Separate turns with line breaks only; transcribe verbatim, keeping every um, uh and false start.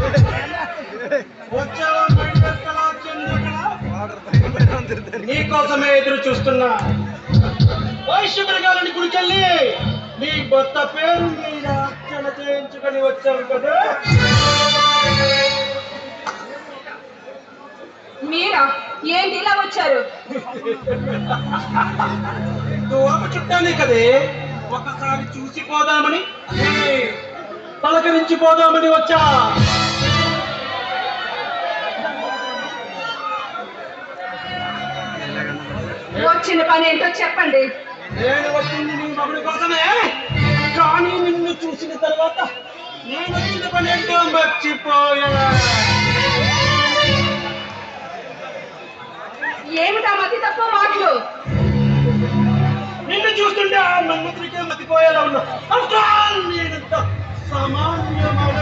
నీకోసమే ఎదురు చూస్తున్నా. వైశ్యమృగాలని గుడికెళ్ళి నీ భర్త పేరు మీద అర్చన చేయించుకొని వచ్చావు కదా.
మీరా? ఏంటి ఇలా వచ్చారు?
దూరమ చుట్టానే కదే, ఒకసారి చూసిపోదామని, పలకరించిపోదామని వచ్చా.
వచ్చిన పని ఏంటో చెప్పండి.
నేను వచ్చింది నీ మగుడి కోసమే, కానీ నిన్ను చూసిన తర్వాత నేను వచ్చిన పని ఏంటో మర్చిపోయా.
ఏమిటా మతి తక్కువ మాటలు?
నిన్ను చూస్తుంటే ఆ మన్మత్రికే మతిపోయేలా ఉన్నా. నేనంత సామాన్యమైన